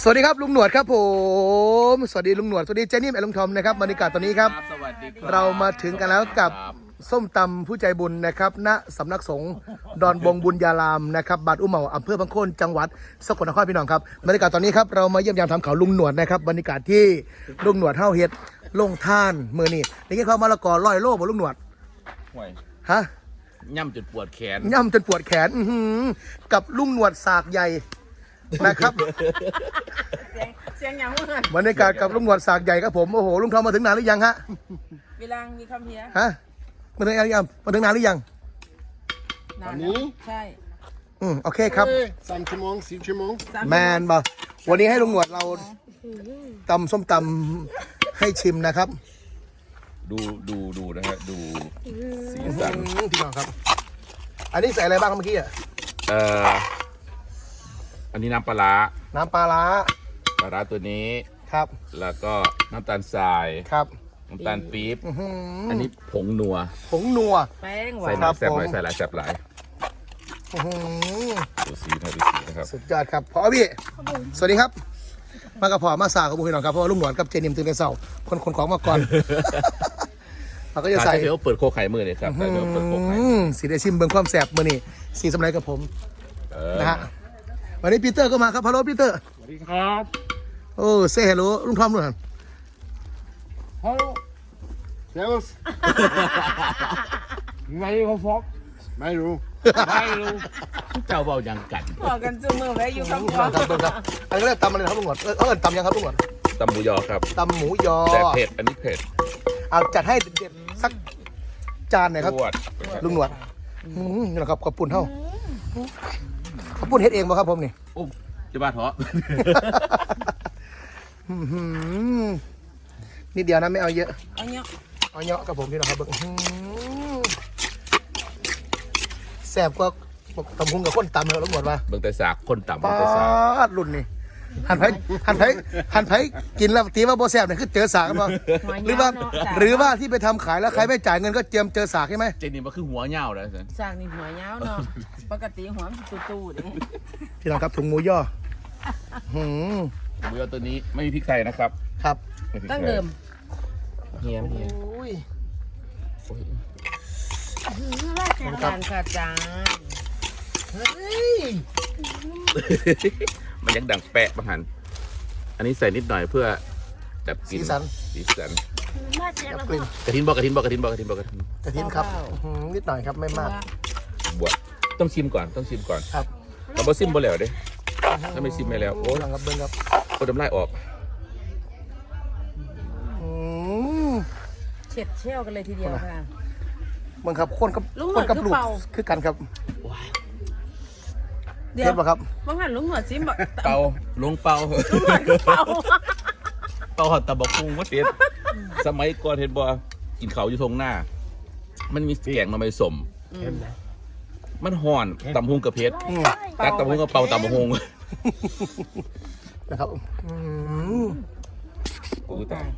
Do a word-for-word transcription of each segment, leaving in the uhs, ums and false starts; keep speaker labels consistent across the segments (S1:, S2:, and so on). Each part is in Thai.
S1: สวัสดีครับลุงหนวดครับผมสวัสดีลุงหนวดสวัสดีเจนี่แอนลุงทอมนะครับบรรยากาศตอนนี้ครับเรามาถึงกันแล้วกับส้มตำผู้ใจบุญนะครับณสำนักสงฆ์ดอนบงบุญญารามนะครับบาดอุ้มเหมาอำเภอบางโคนจังหวัดสกลนครพี่น้องครับบรรยากาศตอนนี้ครับเรามาเยี่ยมยามทำเขาลุงหนวดนะครับบรรยากาศที่ลุงหนวดเฮาเฮ็ดลงท่านมือนี่นี่คือเขามะละกอร้อยโลบ่ลุงหนวดฮะ
S2: ย่ำจนปวดแขน
S1: ย่ำจนปวดแขนอื้อหือกับลุงหนวดสากใหญ่นะครับ
S3: เสียงอย่างว่า
S1: บรรยากาศกับลุงหนวดสากใหญ่ครับผมโอ้โหลุงทอมมาถึงนานหรือยังฮะ
S3: เวลามีคำเพีย
S1: ฮะมาถึงนานหรือยังมาถึงนานหรือยัง
S3: นานนี้ใช่
S1: อืมโอเคครับ
S4: สามชั่วโมงสี่ชั่วโมง
S1: แมนบ่วันนี้ให้ลุงหนวดเราตำส้มตำให้ชิมนะครับ
S2: ดูดูดูนะฮะดูสีสัน
S1: พี่น้องครับอันนี้ใส่อะไรบ้างเมื่อกี้อ่ะ
S2: เอ่ออันนี้น้ำปลา
S1: น้ำปลาร้า
S2: ปลาร้าตัวนี้
S1: ครับ
S2: แล้วก็น้ำตาลทราย
S1: ครับ
S2: น้ำตาลปี๊บอันนี้ผงนัว
S1: ผงนัว
S3: แป้งหวา
S2: นใส่หน่อยแซ่บหน่อยใส่หลายแซ่บหลายดูสีนะดูสีนะครับ
S1: สุดยอดครับพอพี่สวัสดีครับมากระเพาะมาสากับบุญพี่น้องครับเพราะว่าลุงหนวดกับเจนิมตื่นแต่เช้าคนคนของมาก่อนเราก็จะใส่
S2: เดี๋ยวเปิดโคไข่มือเลยครับเดี๋ยวเปิดโคไข่
S1: สีได้ชิมเบิ่งความแซ่บมือนี่สีสำไรกับผมนะฮะวันนี้ปีเตอร์ก็มาครับฮัลโหลปีเตอร์
S4: สวัสดีครับ
S1: โอ้เซ่ฮัลโหลลุงทอมด้วยฮัล
S4: โหลเซลส์ไงเขาฟอกไม่รู้ไม่รู้
S2: เจ้าเบายังกัน
S3: บอกกันจูมือไว้อยู่ข้างบน
S1: ครับครับอันนี้เรียกตำอะไรครับลุงหนวดเออเออตำยังครับลุงหนวด
S2: ตำหมูยอครับ
S1: ตำหมูยอ
S2: แต่เผ็ดอันนี้เผ็ด
S1: เอาจัดให้เด็ดสักจานหน่อยครับลุงหนวดนี่แหละครับขอบคุณเท่าขอบคุณเฮ็ดเองป่ะครับผมนี่
S2: โอ้จะบ้าเถอะ
S1: นิดเดียวนะไม่เอาเยอะ
S3: เอาเยอะ
S1: เอาเยอะกับผมพี่น้องครับแซ่บก็ตำพุงกับข้นตำเลยลุงหนวดว่า
S2: เบิ่งแต่สากคนต่ำเบิ่
S1: ง
S2: แต่สาก
S1: รุ่นนี่หันไผ่หันไผ่หันไผ่กินแล้วตีว่าโบแซ่บเนี่ยคือเจอสากกันป่ะหรือว่าหรือว่าที่ไปทำขายแล้วใครไม่จ่ายเงินก็เจียมเจอสากใช่ไหม
S2: เจนี่มันคือหัวเน่าเลย
S3: สากนี่หัวเน่าเนาะปกติหัวมันตู้ๆดิ
S1: พี่น้องครับถุงหมูย่อ
S2: หมูย่อตัวนี้ไม่มีพริกไทยนะครับ
S1: ครับ
S3: ตั้งเดิม
S2: เฮียเฮีย
S3: การขาดจาน
S2: มันยังดังแปะบางหันอันนี้ใส่นิดหน่อยเพื่อแบบ
S1: สีสัน
S2: สีสันกระทินบอกกระทินบอกกระทินบอกกระทินบอกกระทิน
S1: กระทินครับนิดหน่อยครับไม่มาก
S2: บวชต้องชิมก่อนต้องชิมก่อน
S1: ครับ
S2: เราบ่ชิมบ่แล้วเด้ถ้าไม่ชิมไม่แล้วโอ้
S1: ลังครับเบิ้งครับ
S2: โอ้ทำลายออก
S3: เฉียดเชี่ยวกันเลยทีเดียวค่ะ
S1: มึงครับคนกับคนกับลูกคือกันครับเดี๋ยวป่ะครับ
S3: บางหันลุงหัวซิมบอก
S2: เป่าลุงเป่า
S3: ลุงหัวก็เป่า
S2: เป่าหอดตะบกพุงว่าเสียสมัยก่อนเห็นบ่กินเขาอยู่ทงหน้ามันมีแกงมาไม่สมมันห่อนตำพุงกับเพชรตักตำพุงกับเป่าตำบกพุง
S1: นะครับ
S2: กูตาย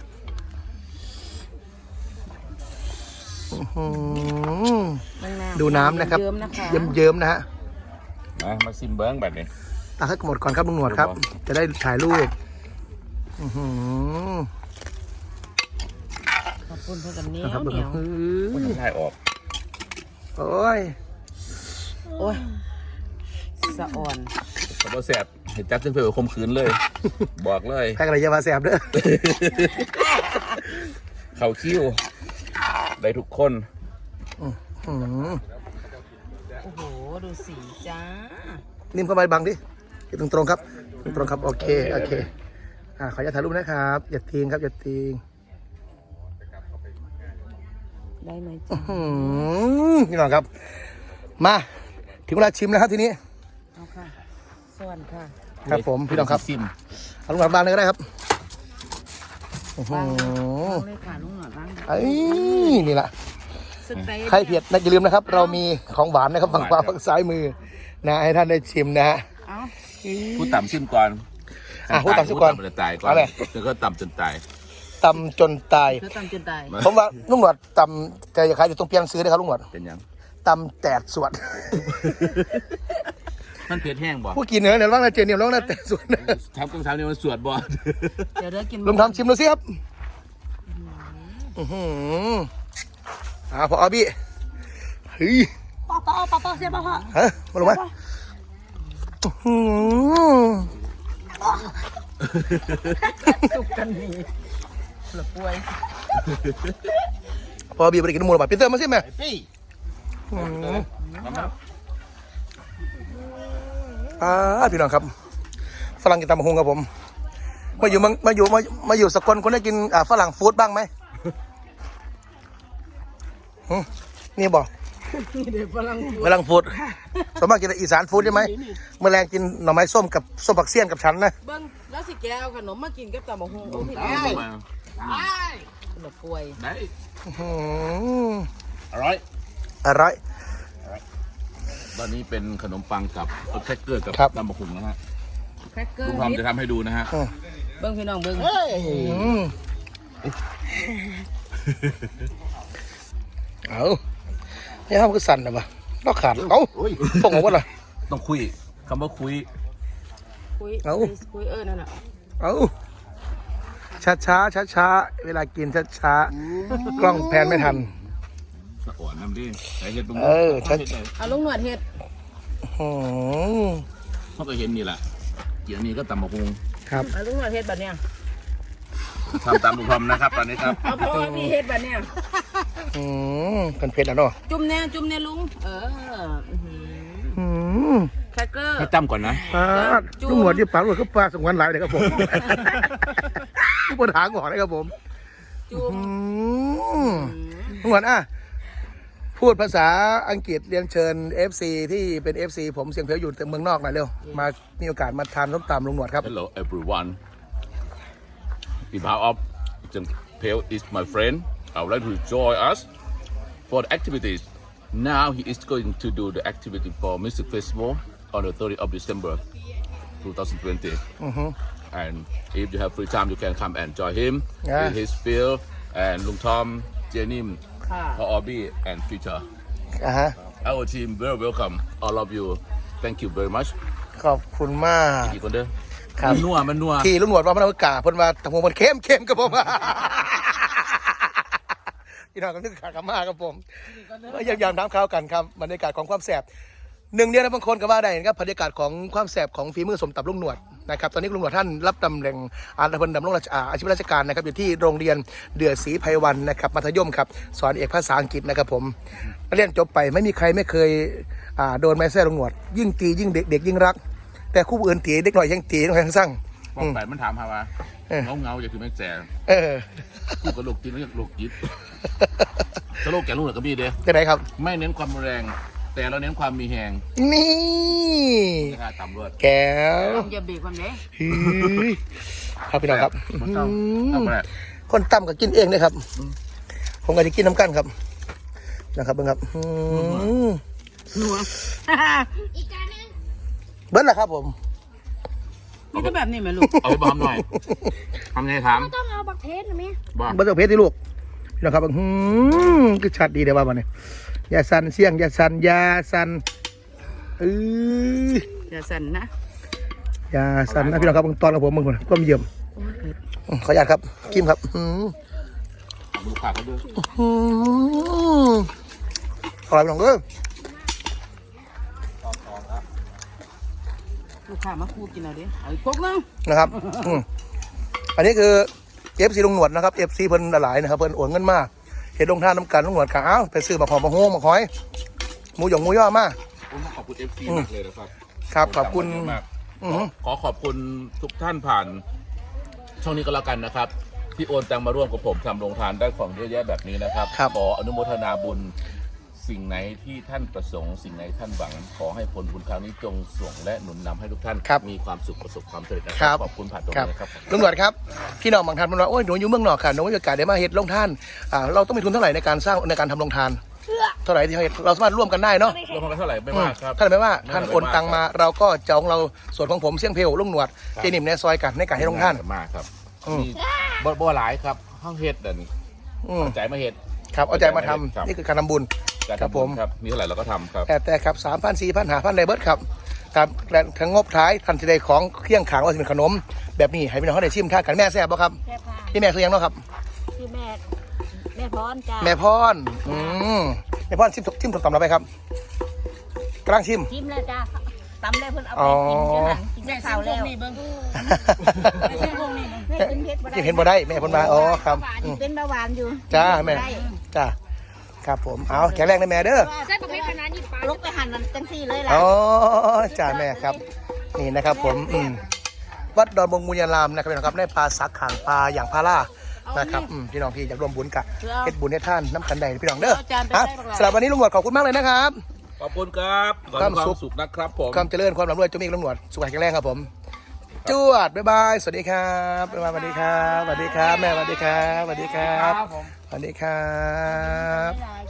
S1: ดูน้ำนะครับเยิ้มๆนะฮะ
S2: มามาซิมเบิ้งแบบนี้
S1: ตักให้หมดก่อนครับลุงหนวดครับจะได้ถ่ายรูป
S3: ขอบคุณเพื่อนเหนียวเหนียว
S2: มันถ่ายออก
S1: โอ้ย
S3: โอ้ยสะอ่อน
S2: สะบแสบเห็นจับจนเผื่อคมขืนเลยบอกเลย
S1: แพ้อะไรจะมาแสบเด้อ
S2: เข่าคิ้วได้ทุกคน
S3: โอ้โหดูสีจ้า
S1: นิ่มเข้าไปบังดิตรงตรงครับตรงครับโอเคโอเคอ่าขออย่าถ่ายรูปนะครับอย่าทิ้งครับอย่าทิ้ง
S3: ได้ไหมจ้า
S1: นี่หน่อยครับมาถึงเวลาชิมแล้วครับทีนี้
S3: เอาค่ะสวัสดีค่ะ
S1: ครับผมพี่น้องครับ
S2: ซิม
S1: เอาลุงหนวดบ้างเลยก็ได้ครับ
S3: บ้างเลยค่ะลุงหนวดบ้าง
S1: ไอ้นี่แหละใครเผ็ดนะอย่าลืมนะครับเรามีของหวานนะครับฝั่งขวาฝั่งซ้ายมือนะให้ท่านได้ชิมนะฮะ
S2: พูดต่ำชิมก่อน
S1: อ่ะพูดต่ำชิมก่อน
S2: จนตายก่อนแล้วก็ต่ำจนตาย
S1: ต่ำจนตาย
S3: ต่ำจนตาย
S1: ผมว่าลุงหนวดต่ำแต่อย่าขายอยู่ตรงเพียงซื้อได้ครับลุงหนวด
S2: เป็นยัง
S1: ต่ำแตดสวด
S2: มันเผ็ดแห้งบ่
S1: ผู้กินเนื้อเนี่ยร้องนะเจนี่ร้องนะแต่ส่วน
S2: ทำกองสามเนี่ยมันสวดบ่
S3: เดี๋ยวเดี๋ยวกิน
S1: ลองทำชิมดูสิครับอือหืออ่าพออาบี้เฮ้ย
S5: ปอปอปอปอเสียปอปอ
S1: ฮะมาลงมาอื้อหือ
S3: สุกกันนี่หลับป่วย
S1: พออาบี้ไปกินหมูหรือเปล่าปีเตอร์มาสิแม่
S4: Hey.
S1: อ่าพี่น้องครับฝรั่งกินตำบักหุ่งครับผมมาอยู่เมืองมาอยู่มามาอยู่สกลคนได้กินอ่าฝรั่งฟู้ดบ้างไหมหึนี่บอก
S3: นี่เดี๋ยวฝรั่ง
S1: ฝรั่งฟู้ดสมมติกินแต่อีสานฟู้ดใช่ไหมเมื่อแรงกินหน่อไม้ส้มกับส้มผักเสี้ยนกับฉันนะ
S3: เบิ้งแล้วสิแกเอาขนมมากินกับตำบักหุ่งโอ้พี่
S2: เอาลงมา
S3: หลับป่วย
S2: ได้
S1: อื้อหือ
S2: alright
S1: อร่อย
S2: ตอนนี้เป็นขนมปังกับแครกเกอร์กับ
S1: ครับ
S2: ตำบักหุ่งนะฮะ
S3: แครกเกอ
S2: ลุ
S3: ร์
S2: งทอม
S3: นิด
S2: จะทำให้ดูนะฮะ
S3: เบิ้งพี่น้องเบิ้ง
S1: อืมเอาเนี่ยเขาคือสั่นนะปะเราขาดเอาส่งออกว่าล่ะ
S2: ต้องคุยคำว่าคุย
S3: คุย
S1: เอา
S3: คุยเออนั่นน่ะ
S1: เอาช้าช้าช้าช้าๆเวลากินช้าช้าๆกล้องแพนไม่ทัน
S2: สะอ่อนน้ำดิไอเห็ดตรง
S1: เออชัด
S3: เอาลุงหนวดเห็ด
S1: อืม
S2: เขาก็เห็นนี่แหละเกี่ยวนี้ก็ตำบักหุ่ง
S1: ครับ
S3: เอาลุงหนวดเห็ดแบบเนี้ย
S2: ทำตามลุงทอมนะครับตอนนี้ครับ
S3: เอาพ่อพี่เห็ดแบบเนี้ย
S1: อืมกันเผ็ดแล้วเนาะ
S3: จุ่มแน่จุ่มแน่ลุงเอออื้อหือ
S1: อืม
S3: แครกเกอร์
S2: ให้จำก่อนนะ
S1: ปลาลูกหนวดที่ปลาลูกก็ปลาสงวนหลายเลยครับผมผู้บริหารก่อนนะครับผม
S3: จุ่ม
S1: อืมลูกหนวดอ่ะพูดภาษาอังกฤษเรียนเชิญ เอฟ ซี ที่เป็น เอฟ ซี ผมเสียงเพลวอยู่แต่เมืองนอกหน่อยเร็วมามีโอกาสมาทานส้มตำลุงหนวดครับ
S2: Hello everyone in behalf of Jen Pale is my friend I would like to join us for the activities now he is going to do the activity for music festival on the thirtieth of December twenty twenty and if you have free time you can come and join him
S1: Yeah.
S2: in his field and Lung Tom Jenny
S3: ค่ะ
S2: Paul Obi and Peter
S1: อ่าฮะ
S2: our team very welcome all of you thank you very much
S1: ขอบคุณมาก
S2: อีกคนเด้อ
S1: ครับ
S2: มันนัวมันนัว
S1: ที่ลุงหนวดว่ามันเอากาเพิ่นว่าตะมูมันเข้มเข้มกับผม พี่น้องก็นึกขากมากครับผมยังยามน้ำข้าวกันครับบรรยากาศของความแสบหนึ่งเดียวนะบางคนก็ว่าได้นะครับบรรยากาศของความแสบของฝีมือสมตับลุงหนวดนะครับตอนนี้ลุงหนวดท่านรับตำแหน่งอาชีพดำรงราชอาชีพราชการนะครับอยู่ที่โรงเรียนเดือดศรีไพวันนะครับมัธยมครับสอนเอกภาษาอังกฤษนะครับผมเรียนจบไปไม่มีใครไม่เคยอ่าโดนไม้แส้ลุงหนวด ยิ่งตียิ่งเด็กเด็กยิ่งรัก แต่คู่อื่นตีเด็กหน่อยยังตีน้อยยังสั่ง
S2: บอกไปมันถามหาว่า
S1: เออ
S2: เงาเงาๆอย่าคือแม่แจง
S1: เออ
S2: คู่กับโลกจิตแล้วโลกจิตสโลกแกลูกหรือก็มีเด้
S1: เป็นไรครับ
S2: ไม่เน้นความแรง แต่เราเน้นความมีแหง
S1: นี่
S2: ราคาต่ำรวด
S1: แก้ว
S3: ลุงอย่าเบรกความเด้
S1: ฮือครับพี่น้องครับ
S2: มันเศร้าเศร้าไปแล้ว
S1: คนต่ำก็กินเองนะครับ ผมก็จะกินน้ำกันครับนะครับเบิ่งครับอืม
S3: หนัว
S5: อีกจานนึง
S1: เบิ้ลละครับผม
S3: นี่ก็แบบนี้ไหมลูก
S2: เอาไปบอมหน่อยทำไงถาม
S5: ต้องเอาบักเพชรนะแม่
S2: บ้า
S1: เบิ้ลเจ้าเพชรที่ลูกพี่น้องครับอืมคือชัดดีเดี๋ยวว่ามันเนี่ยยาสันเสี่ยงยาสันยาสันเอ้ย
S3: อย่าสั่นนะ
S1: ยาสันนะพี่น้องครับเบิ่งตอนกับผมเบิ่งคนก้มเยี่ยม
S3: โอ้ยเผ็ด
S1: อืมขออนุญาตครับกิมครับอืม
S2: ดูขาเขาด้วย
S1: อืมอร่อยพี่น้องเด้อ
S3: ลูกค้ามาคูกินเอาดิเอาอีกพวกนึง
S1: นะครับอืมอันนี้คือเอฟซีลุงหนวดนะครับเอฟซีเพิ่นหลายนะครับเพิ่นโอนเงินมาเห็นลงท่าน้ำกันลุงหนวดกะเอ้าไปซื้อมาหอมมาโฮงมาหอยหมูหยองหมูย่อมา
S2: ผมต้องขอบคุณเอฟซีมากเลยนะครับ
S1: ครับขอบคุณ
S2: เยะมาก
S1: อือหือ
S2: ขอขอบคุณทุกท่านผ่าน ช่องนี้ก็แล้วกันนะครับ ที่โอนตังมาร่วมกับผมทำโรงทานได้ของเยอะแยะแบบนี้นะครับ
S1: ครับ
S2: ขออนุโมทนาบุญสิ่งไหนที่ท่านประสงค์สิ่งไหนท่านหวัง ขอให้ผลบุญครั้งนี้จงส่งและหนุนนำให้ทุกท่าน
S1: ครับ
S2: มีความสุขประสบความสำเร็จนะค
S1: ครั
S2: รับ ขอบคุณผ่านตรง
S1: ครับ
S2: นี้นะครับ
S1: ลุงหนวดครับพี่น้องบางท่านบอกว่าโอ้ยหนูอยู่เมืองนอกค่ะหนูมีโอกาสได้มาเฮ็ดลงท่านอ่าเราต้องมีทุนเท่าไหร่ในการสร้างในการทำลงทานเท่าไหร่ที่เราเฮ็ดเราสามารถร่วมกันได้เนาะ
S2: รวมกันไปเท่าไหร่ไม่ว่าครับ
S1: ท่านไม่ว่าท่านโอนตังมาเราก็จะของเราส่วนของผมเสี่ยงเพลลุงหนวดเจนิมในซอยกันในการให้ลงท่าน
S2: มากครับ
S1: อืม
S2: นี่บ่บ่หลายครับห้องเฮ็ดเด่น
S1: อืม
S2: ใจมาเฮ็ด
S1: ครับเอาใจมาทำ
S2: ครับ
S1: นี่คือการทำบุญ
S2: การ
S1: ครับ
S2: ทำ
S1: ผ
S2: บุ
S1: ม
S2: ญครับมีเท่าไหร่เราก็ทำครับ
S1: แต่แต่ครับสามพันสี่พันหาพันไดเบิร์ดครับครับและทั้งงบท้ายทันทีใดของเครื่องขางว่าจะเป็นขนม แบบนี้ให้พี่น้องเขาได้ชิมท่ากันแม่แซ่บบ่ครับ
S3: แซ่บค่ะ
S1: พี่แม่คือยังเนาะครับ
S3: ที่แม่แม่พรจ้า
S1: แม่พรอืมแม่พรชิมชิมส้มตำเราไปครับกำลังชิม
S3: ชิมแล้วจ้าตำแล้วเพิ่นเอา
S1: อ๋
S3: ไป
S1: อ
S3: กินจ้ากินข้าวแล้วแม่ชิมพวกนี้แม่กินเผ็ดบ่ได้
S1: กินเห็นบ่ได้แม่เพิ่นมาอ๋อครับอืม
S3: เป็นเบาหวานอยู่
S1: จ้าแม่
S3: ได้
S1: จ้าครับผมเอาแข็งแรงนะแม่เด้อ
S5: ใส่ประเภทขนาดนี้ปลา
S3: ลกไปหั่นมันจังซี่เลยล่ะ
S1: อ๋อจ้าแม่ครับนี่นะครับผมอืมวัดดอนบงบุญญารามนะครับพี่น้องครับได้ปลาสักขางปลาอย่างพาร่านะครับอืมพี่น้องที่อยากร่วมบุญกับเฮ็ดบุญให้ท่านน้ำกันใดพี่น้องเด้อครับสำหรับวันนี้ลุงหนวดขอบคุณมากเลยนะครับ
S2: ขอบคุณครับขอให้มีความสุขนะครับผม
S1: ความเจริญความร่ำรวยจงมีกับลุงหนวดสุขภาพแข็งแรงครับผมจวดบ๊ายบายสวัสดีครับบ๊ายบายสวัสดีครับสวัสดีครับแม่สวัสดีครับสวัสดีครับ
S4: ครับผม
S1: สวัสดีครับ